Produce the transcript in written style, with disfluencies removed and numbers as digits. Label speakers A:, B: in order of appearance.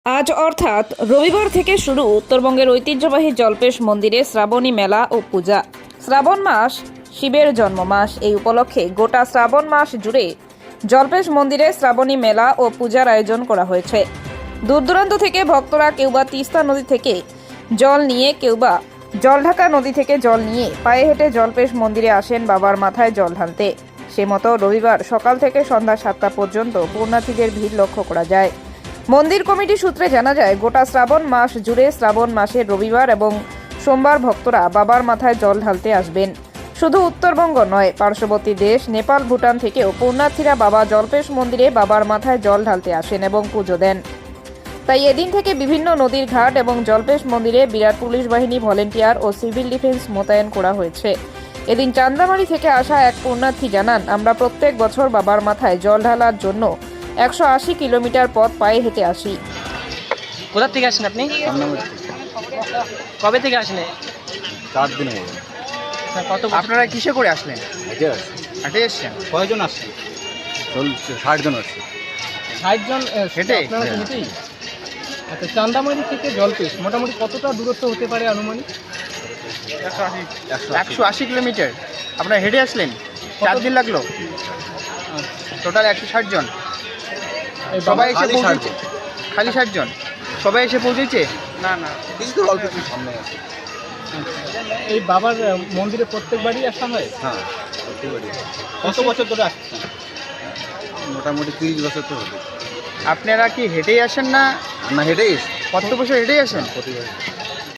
A: আজ অর্থাৎ রবিবার থেকে শুরু উত্তরবঙ্গের ঐতিহ্যবাহী জল্পেশ মন্দিরে শ্রাবণী মেলা ও পূজা। শ্রাবণ মাস শিবের জন্ম মাস। এই উপলক্ষে গোটা শ্রাবণ মাস জুড়ে জল্পেশ মন্দিরে শ্রাবণী মেলা ও পূজার আয়োজন করা হয়েছে। দূর দূরান্ত থেকে ভক্তরা কেউ বা তিস্তা নদী থেকে জল নিয়ে, কেউ বা জলঢাকা নদী থেকে জল নিয়ে পায়ে হেঁটে জল্পেশ মন্দিরে আসেন বাবার মাথায় জল ঢালতে। সে মতো রবিবার সকাল থেকে সন্ধ্যা 7টা পর্যন্ত পুণ্যার্থীদের ভিড় লক্ষ্য করা যায়। মন্দির কমিটি সূত্রে জানা যায়, গোটা শ্রাবণ মাস জুড়ে শ্রাবণ মাসের রবিবার এবং সোমবার ভক্তরা বাবার মাথায় জল ঢালতে আসবেন। শুধু উত্তরবঙ্গ নয়, পার্শ্ববর্তী দেশ নেপাল, ভুটান থেকেও পুণ্যার্থীরা বাবা জল্পেশ মন্দিরে বাবার মাথায় জল ঢালতে আসেন এবং পুজো দেন। তাই এদিন থেকে বিভিন্ন নদীর ঘাট এবং জল্পেশ মন্দিরে বিরাট পুলিশ বাহিনী, ভলেন্টিয়ার ও সিভিল ডিফেন্স মোতায়েন করা হয়েছে। এদিন চান্দামারি থেকে আসা এক পুণ্যার্থী জানান, আমরা প্রত্যেক বছর বাবার মাথায় জল ঢালার জন্য 180 কিলোমিটার পথ পায়ে হেঁটে আসি।
B: কোথা থেকে আসেন আপনি? কবে থেকে আসলেন?
C: 4 দিন হয়ে গেল।
B: কত
D: আপনারা কিসে করে আসলেন?
C: হেঁটে আসছি।
D: হেঁটে এসছেন?
C: কয়জন আসছে? 60 জন আসছে।
B: 60 জন
D: হেঁটে?
B: আপনারা
C: হ্যাঁ।
B: হেঁটেই? আচ্ছা, চান্দামারি থেকে জলপেশ মোটামুটি কতটা দূরত্ব হতে পারে আনুমানিক?
D: 180 কিলোমিটার আপনারা হেঁটে আসলেন? 4 দিন লাগলো? টোটাল 160 জন।
B: এই
D: সবাই
B: বাবা-
D: এসে পৌঁছেছে? খালি 60 জন? সবাই এসে পৌঁছেছে?
C: না কিছু তো অল্প একটু সামনে আছে।
B: এই বাবার মন্দিরে প্রত্যেকবারই আসা হয়?
C: হ্যাঁ, প্রত্যেকবারই।
B: কত বছর ধরে আসছেন?
C: মোটামুটি 30 বছর তো হবে।
D: আপনারা কি হেঁটেই আসেন না
C: না হেঁটেই এসছি।
D: কত বছর হেঁটেই আসেন?
C: প্রতিবার